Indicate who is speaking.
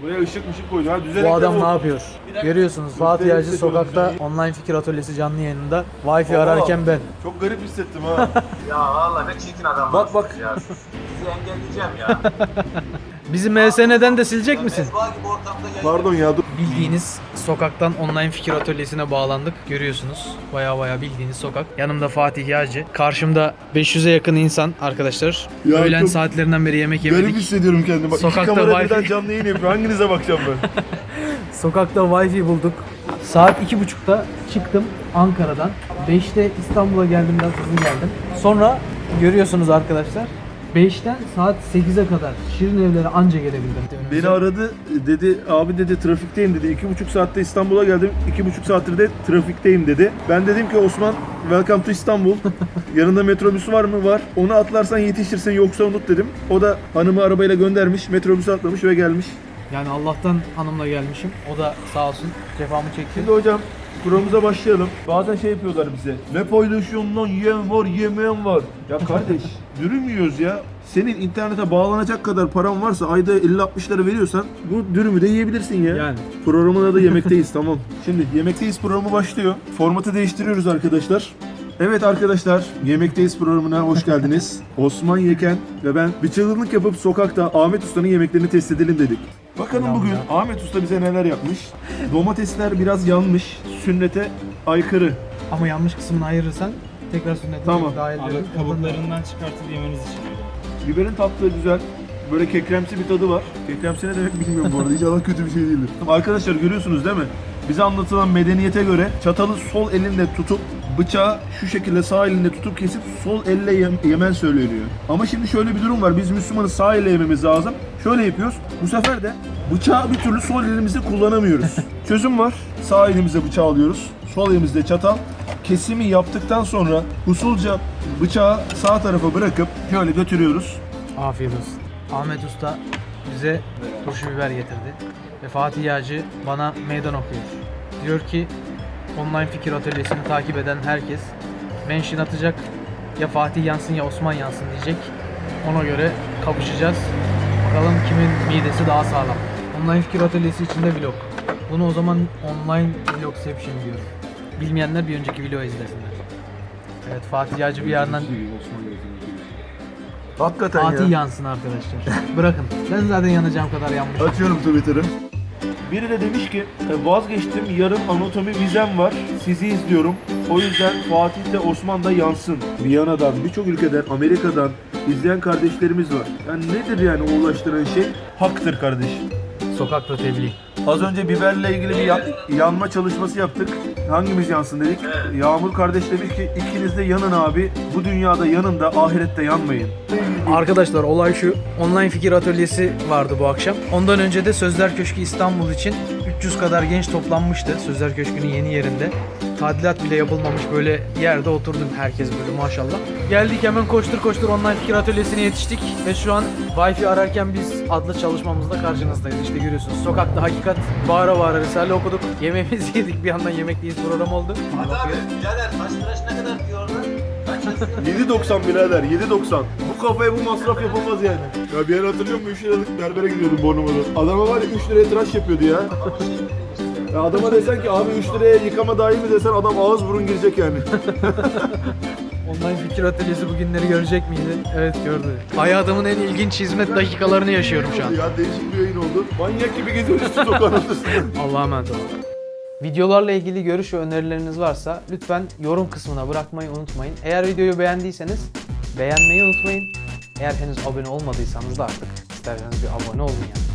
Speaker 1: Buraya ışık koydu. Ha,
Speaker 2: Bu adam ne yapıyor? Görüyorsunuz Fatih Yağcı sokakta online fikir atölyesi canlı yayınında. Wi-Fi ararken ben.
Speaker 1: Çok garip hissettim ha.
Speaker 3: Ya vallahi ne çirkin adam.
Speaker 1: Bak.
Speaker 3: Ya. Sizi engelleyeceğim ya.
Speaker 2: Bizi MSN'den de silecek misin?
Speaker 3: Mezba gibi ortamda yayın.
Speaker 1: Pardon ya dur.
Speaker 2: Bildiğiniz sokaktan online fikir atölyesine bağlandık. Görüyorsunuz. Baya bildiğiniz sokak. Yanımda Fatih Yağcı. Karşımda 500'e yakın insan arkadaşlar.
Speaker 1: Ya
Speaker 2: Öğlen
Speaker 1: çok
Speaker 2: saatlerinden beri yemek
Speaker 1: Garip
Speaker 2: yemedik.
Speaker 1: hissediyorum kendimi. Bak,
Speaker 2: Sokakta
Speaker 1: iki kamera
Speaker 2: Wi-Fi.
Speaker 1: birden canlı yayın yapıyor. Hanginize bakacağım ben?
Speaker 2: Sokakta Wi-Fi bulduk. Saat 2.30'da çıktım Ankara'dan. 5'te İstanbul'a geldim, biraz hızlı geldim. Sonra görüyorsunuz arkadaşlar 5'ten saat 8'e kadar Şirin Evler'e anca gelebildim.
Speaker 1: Beni aradı dedi, abi dedi trafikteyim dedi. 2,5 saatte İstanbul'a geldim. 2,5 saattir de trafikteyim dedi. Ben dedim ki Osman, welcome to İstanbul. Yanında metrobüsü var mı? Var. Onu atlarsan yetişirsin, yoksa unut dedim. O da hanımı arabayla göndermiş, metrobüsü atlamış ve gelmiş.
Speaker 2: Yani Allah'tan hanımla gelmişim. O da sağ olsun cefamı çekti.
Speaker 1: Şimdi hocam programımıza başlayalım. Bazen şey yapıyorlar bize. Ne paylaşıyorsun lan, yiyen var, yemeyen var. Ya kardeş, dürüm yiyoruz ya. Senin internete bağlanacak kadar paran varsa ayda 50-60 lira veriyorsan bu dürümü de yiyebilirsin ya.
Speaker 2: Yani.
Speaker 1: Programın adı Yemekteyiz, tamam. Şimdi Yemekteyiz programı başlıyor. Formatı değiştiriyoruz arkadaşlar. Evet arkadaşlar, Yemekteyiz programına hoş geldiniz. Osman Yeken ve ben bir çılgınlık yapıp sokakta Ahmet Usta'nın yemeklerini test edelim dedik. Bakalım bugün Ahmet Usta bize neler yapmış. Domatesler biraz yanmış, sünnete aykırı.
Speaker 2: Ama yanlış kısmını ayırırsan tekrar sünnete
Speaker 1: Tamam.
Speaker 2: dahil
Speaker 4: Abi
Speaker 2: edelim.
Speaker 4: kabuklarından çıkartıp yemeniz için öyle.
Speaker 1: Biberin tatlı güzel. Böyle kekremsi bir tadı var. Kekremsi ne demek bilmiyorum bu arada. İnşallah kötü bir şey değildir. Arkadaşlar görüyorsunuz değil mi? Bize anlatılan medeniyete göre çatalı sol elinde tutup bıçağı şu şekilde sağ elinde tutup kesip sol elle yemen söyleniyor. Ama şimdi şöyle bir durum var. Biz Müslümanız, sağ elle yememiz lazım. Şöyle yapıyoruz. Bu sefer de bıçağı bir türlü sol elimizde kullanamıyoruz. Çözüm var. Sağ elimize bıçağı alıyoruz. Sol elimizde çatal. Kesimi yaptıktan sonra usulca bıçağı sağ tarafa bırakıp şöyle götürüyoruz.
Speaker 2: Afiyet olsun. Ahmet Usta bize turşu biber getirdi. Ve Fatih Yağcı bana meydan okuyor. Diyor ki online fikir atölyesini takip eden herkes mention atacak. Ya Fatih yansın ya Osman yansın diyecek. Ona göre kapışacağız. Bakalım kimin midesi daha sağlam. Online fikir atölyesi içinde vlog. Bunu o zaman online vlogception diyorum. Bilmeyenler bir önceki videoyu izlesinler. Evet, Fatih Yağcı bir yandan
Speaker 1: Hakikaten
Speaker 2: Fatih
Speaker 1: ya.
Speaker 2: yansın arkadaşlar. Bırakın. Ben zaten yanacağım kadar yanmışım.
Speaker 1: Açıyorum Twitter'ı. Biri de demiş ki vazgeçtim, yarın anatomi vizem var, sizi izliyorum. O yüzden Fatih de Osman da yansın. Viyana'dan, birçok ülkeden, Amerika'dan izleyen kardeşlerimiz var. Yani nedir yani o ulaştıran şey? Haktır kardeşim.
Speaker 2: Sokakta tebliğ.
Speaker 1: Az önce biberle ilgili bir yanma çalışması yaptık. Hangimiz yansın dedik. Yağmur kardeş demiş ki ikiniz de yanın abi. Bu dünyada yanın da ahirette yanmayın.
Speaker 2: Arkadaşlar olay şu. Online fikir atölyesi vardı bu akşam. Ondan önce de Sözler Köşkü İstanbul için 300 kadar genç toplanmıştı. Sözler Köşkü'nün yeni yerinde. Tadilat bile yapılmamış böyle yerde oturduk herkes böyle maşallah. Geldik hemen koştur online fikir atölyesine yetiştik. Ve şu an Wi-Fi ararken biz adlı çalışmamızda karşınızdayız. İşte görüyorsunuz sokakta hakikat bağıra Risale okuduk. Yemeğimizi yedik, bir yandan Yemekteyiz program oldu.
Speaker 3: Hadi abi birader saç tıraş ne kadar diyor orada? Kaç yazıyor?
Speaker 1: 7.90 birader, 7.90. Bu kafaya bu masraf yapılmaz yani. Ya bir yer hatırlıyor musun? 3 liralık berbere gidiyordum Bornova'da. Adama var ya 3 liraya tıraş yapıyordu ya.
Speaker 3: Ama şey bilmiş ya.
Speaker 1: Ya adama desen ki abi 3 liraya yıkama dahil mi desen adam ağız burun girecek yani.
Speaker 2: Online fikir atölyesi bugünleri görecek miydi? Evet, gördü. Hayatımın en ilginç hizmet dakikalarını yaşıyorum şu an.
Speaker 1: Ya değişik bir yayın oldu. Manyak gibi geziyoruz şu sokağın ortasında.
Speaker 2: Allah'a emanet olun. Videolarla ilgili görüş ve önerileriniz varsa lütfen yorum kısmına bırakmayı unutmayın. Eğer videoyu beğendiyseniz beğenmeyi unutmayın. Eğer henüz abone olmadıysanız da artık isterseniz bir abone olun yani.